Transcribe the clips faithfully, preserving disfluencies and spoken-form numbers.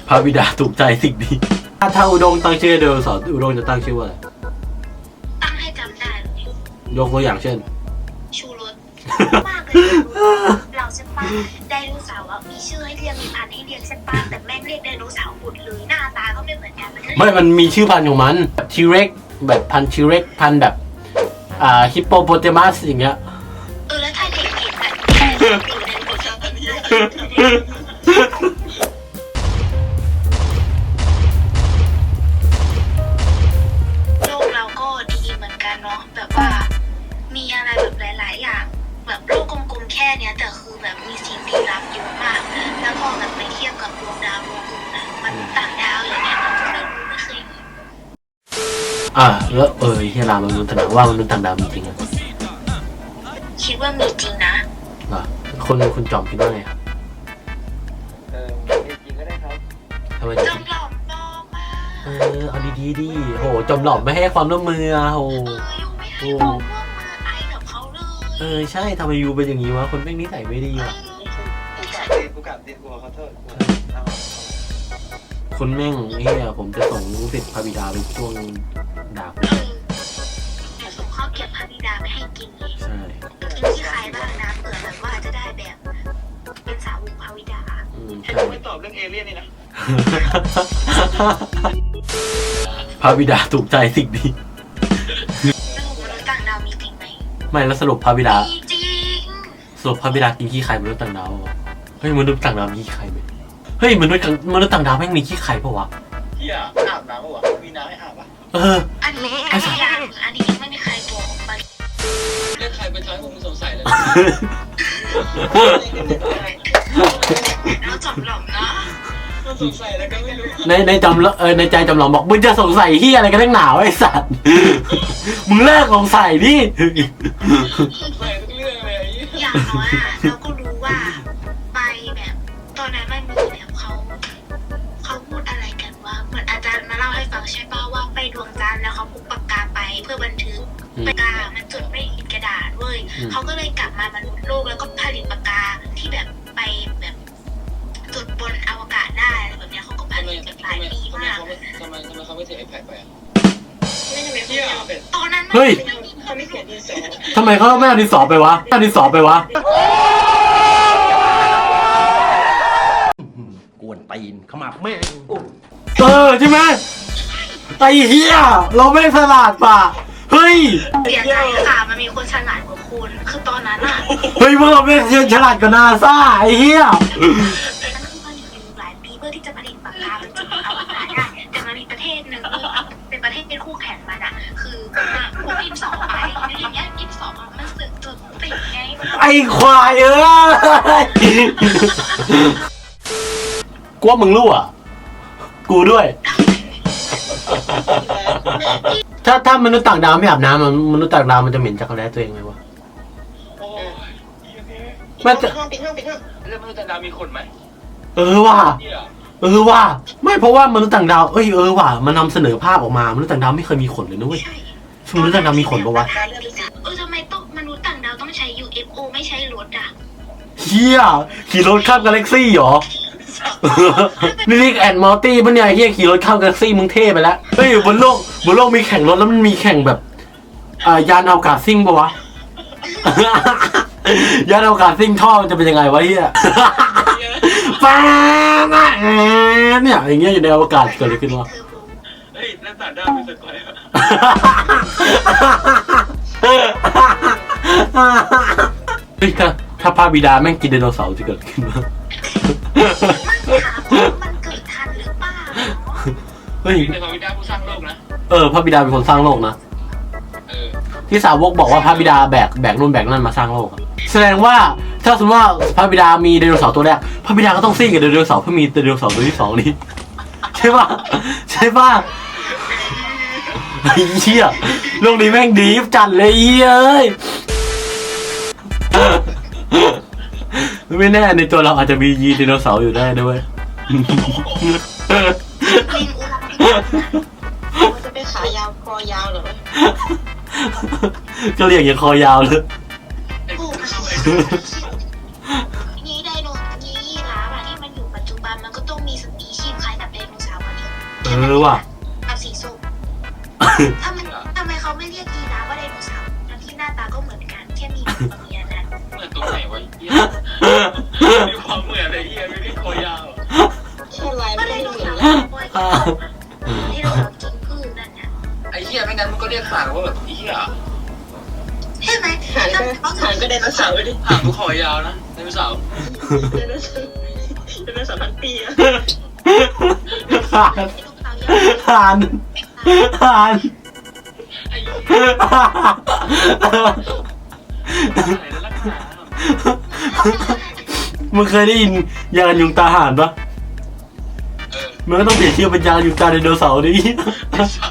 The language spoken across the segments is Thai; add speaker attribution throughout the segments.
Speaker 1: พระบิดาถูกใจสิ่งนี้ถ้าถ้าอุดงตั้งชื่อไดโนเสาร์อุดงจะตั้งชื่อว่าอะไร
Speaker 2: ตั้งให้จำได้
Speaker 1: ยกตัวอย่างเช่น
Speaker 2: ชูรสมากเลยเราใช่ปะไดโนเสาร์มีชื่อให้เรียกมีพันธุ์ให้เรียกใช่ปะแต่แม่งเรียกไดโนเสาร์หมดเลยหน้าตาก็ไม่เหมือนกัน
Speaker 1: ไม่มันมีชื่อพันธุ์ของมันทีเร็กแบบพันธุ์ทีเร็กพันธุ์แบบอ่าฮิปโปโปเตมัสอย่างเงี้ย
Speaker 2: เออแล้วถ้าเด็กเห็นแบบโลกเราก็ดีเหมือนกันเนาะแบบว่ามีอะไรแบบหลายๆอย่างแบบโลกกลมๆแค่เนี้ยแต่คือแบบมีสิ่งลี้ลับเยอะมากแล้วพอแบบไปเทียบกับดวงดาวดวงอื่นนะมันต่างดาวอย่างเงี้ยเราก็ไม่รู้ไม่เคยเห็น
Speaker 1: อ่าแล้วเออที่รามนุษย์ต่างดาวว่ามนุษย์ต่างดาวมีจริงอ่ะ
Speaker 2: คิดว่ามีจริงนะ
Speaker 1: อ่ะคนคุณจอมคิดว่าไงครับ
Speaker 3: เออมีจริงก็ได้ครับ
Speaker 1: ทำไม
Speaker 2: จอมหลอมปลอมมา
Speaker 1: เออเอาดีๆดิโหจอมหลอมไม่ให้ความร่วมมือโห
Speaker 2: เออยูไม่ให้ความร่วมมือไอกับเขาเลย
Speaker 1: เออใช่ทำไมยูเป็นอย่างนี้วะคนแม่งนิสัยไม่ดีว่ะ
Speaker 3: กูกลับดิกูขอโทษ
Speaker 1: คนแม่งเฮียผมจะส่งลูกศิษย์พระบิดาไปช่วงดาบ
Speaker 2: เดี๋ยวส่งข้าวเก็บพระบิดาไปให้กินเลย
Speaker 1: ใช่
Speaker 2: กินที่ใครบ้างนะเผื่อแบบว่าจะได้แบบเป็นสาวกพระบิดา
Speaker 1: อืม
Speaker 3: ใช่ไม่ตอบเรื่องเอเลี่ยนนี่นะ
Speaker 1: พระบิดาถูกใจสิ่งนี้
Speaker 2: สรุปมนุษย์ต่างดาวมีจริงไหม
Speaker 1: ไม่แล้วสรุปพระบิดา
Speaker 2: มีจริง
Speaker 1: สรุปพระบิดากินขี้ไข่มนุษย์ต่างดาวเฮ้ยมนุษย์ต่างดาวมีขี้ไข่ไหมเฮ้ยมนุษย์มนุษย์ต่างดาวแม่งมีขี้ไข่ปะวะ
Speaker 3: เฮียอาบน้ำปะวะมีน้ำให้อาบปะ
Speaker 1: เออ
Speaker 2: อันนี้อันนี้ยังอันนี้ยังไม่มีใครบอกออกไป
Speaker 3: เรื่องใครเป็นท้ายผมสงสัยเลย
Speaker 2: แล้วจอมหลอมนะ
Speaker 3: สงสัยแล้วก็ไม่รู้
Speaker 1: ในในจำเออในใจจำลองบอกมึงจะสงสัยที่อะไรกันทั้งหนาวไอ้สัตว์มึงเลิกสงสัยดิ
Speaker 3: สงสัยทุกเรื่องเลย
Speaker 2: อย่างน้อยอ่ะเราก็รู้ว่าไปแบบตอนนั้นมันมีแบบเขาเขาพูดอะไรกันว่าเหมือนอาจารย์มาเล่าให้ฟังใช่ป่ะว่าไปดวงจันทร์แล้วเขาพกปากกาไปเพื่อบันทึกปากกามันจดไม่เห็นกระดาษเว้ยเขาก็เลยกลับมามนุษย์โลกแล้วก็ผลิตปากกาที่แบบไปแบบจดบนอวกาศได้อะไรแบบนี้เขาก็ผลิตเป็นหลายปีมาก
Speaker 3: ทำไมทำไมเขาไม่ถือไอแพดไปอ่ะ
Speaker 2: ตอนนั้น
Speaker 1: เฮ้ยทำไมเขาไม่เอาดินสอไปวะเอาดินสอไปวะกวนตีนขมับแม่เออใช่ไหมไอ้เหี้ยเราไม่ฉลาดป่ะเฮ้ย
Speaker 2: เสียใจค่ะมันมีคนฉลาดกว่าคุณคือตอนนั้นอะ
Speaker 1: เฮ้ยพวกเราไม่ฉลาดกว่านาซาไอ้เหี้ย
Speaker 2: นั่นคือผลิตอยู่หลายปีเพื่อที่จะผลิตปากกาเป็นจุดอวกาศได้แต่มันมีประเทศหนึ่งเป็นประเทศเป็นคู่แข่งมันอะคือพวกอินสองไปอย่างเงี้ยอินสองมันสึกจุดติดไง
Speaker 1: ไอ้ควายเอ้ยกูว่ามึงรู้อ่ะกูด้วยถ้าถ้ามนุษย์ต่างดาวไม่อาบน้ำมนุษย์ต่างดาวมันจะเหม็นจักรแร้ตัวเองไหมวะ
Speaker 3: มันจะห้องปิดห้องปิดห้องแล้วมนุษย์ต่างดาวมีขนไหม
Speaker 1: เออว่ะเออว่ะไม่เพราะว่ามนุษย์ต่างดาวเอ้ยเออว่ะมันนำเสนอภาพออกมามนุษย์ต่างดาวไม่เคยมีขนเลยนะเว้ยมนุษย์ต่างดาวมีขนปะวะ
Speaker 2: เออทำไมต้องมนุษย์ต่างดาวต้องใช้ ยู เอฟ โอ ไม่ใช้รถอะ
Speaker 1: เฮียขี่รถข้ามกาแล็กซี่เหรอนี่ลิกแอนด์มอร์ตี้ปะเนี่ยเฮียขี่รถข้ามกาแล็กซี่มึงเท่ไปแล้วเฮ้ยบนโลกบนโลกมีแข่งรถแล้วมันมีแข่งแบบอ่ายานอวกาศซิ่งปะวะยานอวกาศซิ่งท่อมันจะเป็นยังไงวะเฮียป้าเนี่ยอย่างเงี้ยอยู่ในอวกาศเกิดอะไรขึ้นวะ
Speaker 3: เฮ้ยแล้วต่างดาวเป็นสกอย
Speaker 1: เฮ้ยถ้าถ้าพระบิดาแม่งกินไดโนเสาร์จะเกิดขึ้นมั้ย
Speaker 2: มันเกิดทันหรือเปล่า
Speaker 1: เฮ้ย
Speaker 3: แต่พระบิดาผู้สร้างโลกนะ
Speaker 1: เออพระบิดาเป็นคนสร้างโลกนะ
Speaker 3: เออ
Speaker 1: ที่สาวกบอกว่าพระบิดาแบกแบกนู่นแบกนั่นมาสร้างโลกแสดงว่าถ้าสมมติว่าพระบิดามีไดโนเสาร์ตัวแรกพระบิดาก็ต้องซิ่งกับไดโนเสาร์เพื่อมีไดโนเสาร์ตัวที่สองนี้ใช่ป่ะใช่ป่ะไอ้เหี้ยโลกนี้แม่งดีจัดเลยเอ้ยไม่แน่ในตัวเราอาจจะมียีไดโนเสาร์อยู่ได้ด้วย
Speaker 2: ลิงอุลังมันจะเป็นขายาวคอยาวเหรอ
Speaker 1: ก็เรียกอย่างคอยาวเลย
Speaker 2: นี่ไดโนนี่ยีราฟอะที่มันอยู่ปัจจุบันมันก็ต้องมีสปีชีส์คล้ายกับ
Speaker 1: อว่ะ
Speaker 2: กับสีส้มทำไมทำไมเขาไม่เรียกยีราฟว่าไดโนเสาร์ทั้งที่หน้าตาก็เหมือนกันแค่มีหัวเมียนั้น
Speaker 3: เหมือนตรงไหนวะเหี้ยมีความเหมือนอะไรเหี้ยไม่ได้คอยาว
Speaker 4: แค่ลาย
Speaker 2: ก็
Speaker 4: ไม่
Speaker 2: ได
Speaker 4: ได้
Speaker 2: โน
Speaker 4: เหมือน
Speaker 2: เสาร์
Speaker 4: แล้ว
Speaker 2: ตัวยีราฟที่เรากินพืชนั่นน่ะ
Speaker 3: ไอ้เหี้ยไม่งั้นมันก็เรียกห่างว่าแบบเหี้ย
Speaker 2: ใช่ไหม
Speaker 4: หางก็หางก็ไดโนเสาร์ดิ
Speaker 3: ห่างกูคอยาวนะไดโนเสาร์
Speaker 4: ไดโนเสาร์ไดโนเสาร์พันปีอะ
Speaker 1: หานหานหาน
Speaker 3: ไอ้เหี้ยอะไรแล้วลักหนา
Speaker 1: มึงเคยได้ยินยางกันยุงตาห่านปะ
Speaker 3: เออ
Speaker 1: มันก็ต้องเปลี่ยนชื่อเป็นยางกันยุงตาไดโนเสาร์ดิ
Speaker 3: ไอ้สัตว์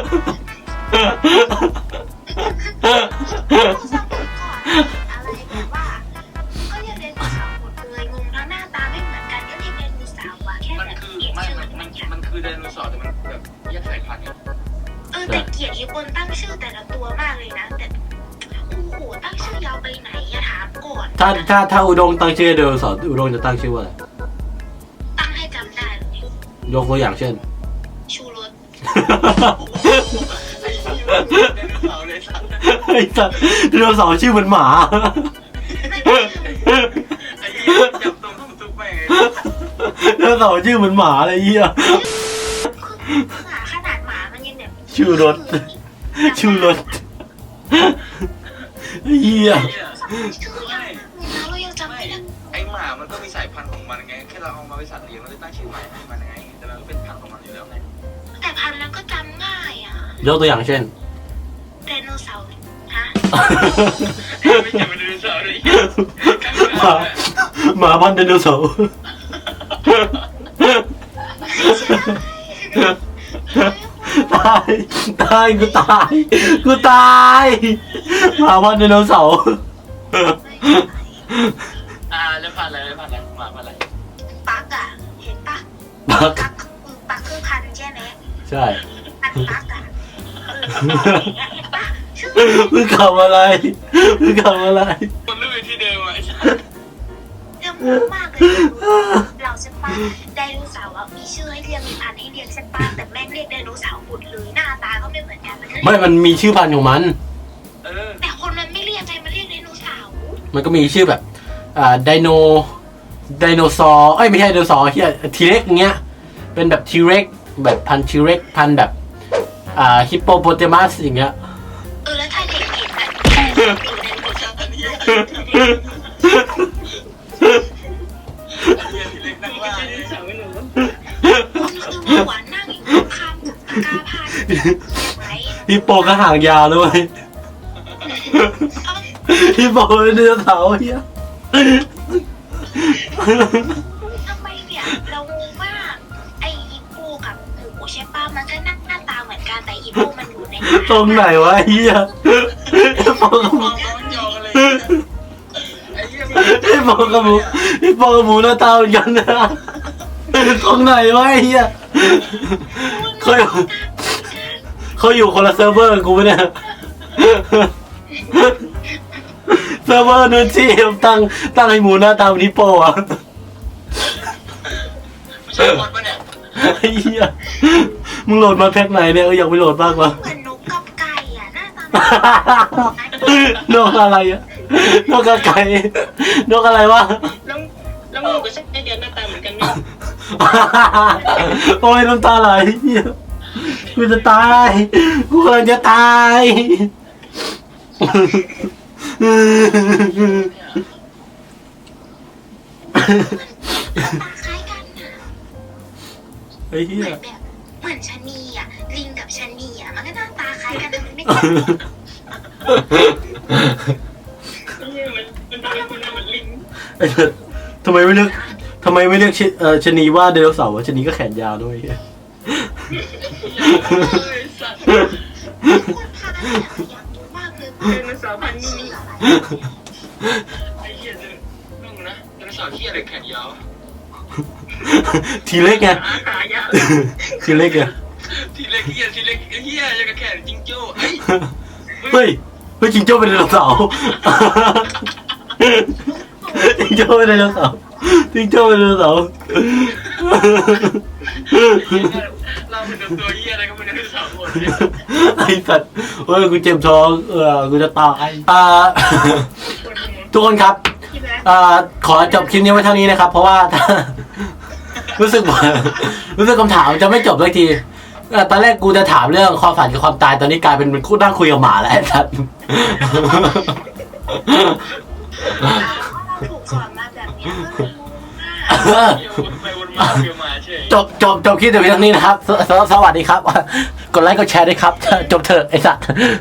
Speaker 2: ผู้สร้างก่อนอะไรแบบว่าก็เรียกไดโนเสาร์หมดเลยงงทั้งหน้าตาไม่เหมือนกันก็เรียกไดโนเสาร์ว่ะแค่
Speaker 3: มัน
Speaker 2: แบบ
Speaker 3: คือ
Speaker 2: เปลี่ยน
Speaker 3: ไม่
Speaker 2: ชื่อ
Speaker 3: มัน
Speaker 2: เหมื
Speaker 3: มั
Speaker 2: อน นกัน
Speaker 3: มันคือไดโนเสาร์แต่มันแบบแยกสายพันธุ์ไง
Speaker 2: เออแต่เกลียดอีคนตั้งชื่อแต่ละตัวมากเลยนะแต่โอ้โหตั้งชื่อยาวไปไหนอะถามก่อน
Speaker 1: ถ้าถ้าถ้าอุดงตั้งชื่อไดโนเสาร์อุดงจะตั้งชื่อว่าอะไร
Speaker 2: ตั้งให้จำได้เลย
Speaker 1: ยกตัวอย่างเช่น
Speaker 2: ชูรส
Speaker 3: ไอ้เหี้ยมันคือไดโนเสาร์เลยสัตว์
Speaker 1: ไอ้สัสไดโนเสาร์ชื่อเหมือนหมา
Speaker 3: ไอ้เหี้ยจับตรงข้ามซุปไปไง
Speaker 1: ไดโนเสาร์ชื่อเหมือนหมาอะไรเงี้ย
Speaker 2: หมาขนาดหมามันยังแบบ
Speaker 1: ชูรส ชูรสเฮีย
Speaker 3: ไอ้เหี้ย
Speaker 2: ชื่อยาวมากเลยนะเรายังจำ
Speaker 3: ไม่
Speaker 2: ไม่ได้
Speaker 3: ไอ้หมามันก็มีสายพันธุ์ของมันไงแค่เราเอามาเป็นสัตว์เลี้ยงเราเลยตั้งชื่อใหม่ให้มันไงแต่มันก็เป็นพันธุ์ของมันอยู่แล้วไง
Speaker 2: แต่พันธุ์นั้นก็จำง่ายอ่ะ
Speaker 1: ยกตัวอย่างเช่น
Speaker 2: ไดโนเสาร์ฮะ
Speaker 3: ไม่ใช่เป็นไดโนเสาร์เลย
Speaker 1: หมาหมาพันธุ์ไดโนเสาร์ ตายตายกูตายกูตายหมาพันธุ์ไดโนเสาร์
Speaker 3: อ่าแล้วพันธุ์อะไรแล้วพันธุ์อะไรหมาพันธุ์อะไร
Speaker 2: ปักอ่ะเห็นปะ
Speaker 1: ปัก
Speaker 2: ปักคือปักคือพันธุ์ใช่ไหม
Speaker 1: ใช่
Speaker 2: พันธุ์ปักอ่ะเอออย่างเงี้ยเห็นปะชื่อ
Speaker 1: มึงทำอะไรมึงทำอะไร
Speaker 3: คนรู้อยู่ที่เดิมอ่ะไอ้สัส
Speaker 2: เรื่องมูมากเลยเราใช่ปะไดโนเสาร์อ่ะมีชื่อให้เรียกมีพันธุ์ให้เรียกใช่ปะแต่แม่งเรียกไดโนเสาร์หมดเลยหน้าตาก็ไม่เหมือนกันมันก็เรียก
Speaker 1: ไม่มันมีชื่อพันธุ์ของมัน
Speaker 3: เออ
Speaker 2: แต่คนมันไม่เรียกไงมันเรียกไดโนเสาร์
Speaker 1: มันก็มีชื่อแบบอ่าไดโนไดโนซอร์เอ้ยไม่ใช่ไดโนซอร์เฮียทีเร็กเงี้ยเป็นแบบทีเร็กแบบพันทีเร็กพันแบบอ่าฮิปโปโปเตมัสอย่างเงี้ย
Speaker 2: เออแล้วถ้าเด็กเห็นแบบอยู่ในบทสนทนา
Speaker 3: อันนี้ที่เล็กนั่งล่า
Speaker 4: ไดโนเสาร์ไม่รู้
Speaker 2: มันคือหัวนั่งอยู่ข้างๆกับกาพานไว้
Speaker 1: ฮิปโปก็หางยาวเลยเว้ยฮิปโปเป็นไดโนเสาร์เฮีย
Speaker 2: ทำไมเนี่ยเรางงมากไออีโปกับหมูใช่ป่ะมันก็หน้าตาเหมือนกันแต่อีโปมันอยู่ใน
Speaker 1: ตรงไหนวะเฮียฮิปโปกับห
Speaker 3: ม
Speaker 1: มู
Speaker 3: องมองจอกันเลยไอ้เหี้ย
Speaker 1: ฮิปโปกับหมูฮิปโปกับหมูหน้าตาเหมือนกันนะตรงไหนวะไอ้เฮียเขาอยู่เขาอยู่คนละเซิร์ฟเวอร์กับกูปะเนี่ยเซิร์ฟเวอร์นู้นที่ตั้งตั้งให้หมูหน้าตาเหมือนฮิปโปอ่ะ
Speaker 3: ไม่ใช่บอลปะเนี่ย
Speaker 1: ไอ้เหี้ยมึงโหลดมาแพ็คไหนเนี่ยเอออยากไปโหลดบ้างวะ
Speaker 2: เหมือนนกกับไก่อ่ะหน้าตา
Speaker 1: นกอะไรอะนกกระไก่นกอะไรวะ
Speaker 4: แล้วแล้วหมูก็ใช่ไอเดียหน้าตาเหมือนกันเนี่ย
Speaker 1: โอ้ยน้ำตาไหลเหี้ยกูจะตายกูกำลังจะตาย
Speaker 2: ตาคล้ายกันนะ
Speaker 1: ไอ้เหี้
Speaker 2: เห
Speaker 1: ย
Speaker 2: มือนแบบเหมือนชะนีอ่ะลิงกับชะนีอ่ะมันก็หน้าตาคล้ายกันแต่มันไม่
Speaker 4: เนี่ยมันมันเป็นคนเหมือนลิง
Speaker 1: ไอ้เหี้ยทำไมไม่เรียกทำไมไม่เรียกชเอ่อชะนีว่าไดโนเสาร์วะชะนีก็แขนยาวด้วยเหี้ย
Speaker 3: เฮ้ยสัตว์
Speaker 2: คนพาเนี่ยอยากรู้มากเลย
Speaker 4: ไดโนเสาร์พันธุ์
Speaker 2: ชื่
Speaker 4: นี้
Speaker 2: ออะไร
Speaker 3: ไอ้เหี้ยเนี่ยนุ่งนะไดโนเสาร์ที่อะไรแขนยาว
Speaker 1: ทีเล็กไง
Speaker 4: หาหายาก
Speaker 1: ทีเล็กไง
Speaker 3: ทีเล็กเหี้ยทีเล็กเหี้ยยังกับแขนจิงโจ้เฮ้ย
Speaker 1: เฮ้ยเฮ้ยจิงโจ้เป็นไดโนเสาร์จิงโจ้เป็นไดโนเสาร์จิงโจ้เป็นไดโนเสาร์
Speaker 3: ไ
Speaker 4: เราเป็นตัวเหี้ยอะไรก็ไม่รู้สามคน
Speaker 1: ไอ้สัตว์เฮ้ยกูเจ็บท้องเออกูจะตายอ่า ทุกคนครับ
Speaker 2: พี่แบ๊ก
Speaker 1: อ่าขอจบคลิปนี้ไว้เท่านี้นะครับ เพราะว่า รู้สึกว่ารู้สึกคำถามจะไม่จบสักทีเอ่อตอนแรกกูจะถามเรื่องความฝันกับความตายตอนนี้กลายเป็นคู่นั่งคุยกับหมาแล้วไอ้สัตว์
Speaker 2: เราถูกสอนมาแบบนี้ก็เลยงงมาก
Speaker 4: เดี๋ยววนไปวนมาเดี๋ยวมาเฉย
Speaker 1: จบจบจบคลิปแต่เพียงเท่านี้นะครับสสสวัสดีครับ กดไลค์กดแชร์ด้วยครับ จบเถอะไอ้สัตว์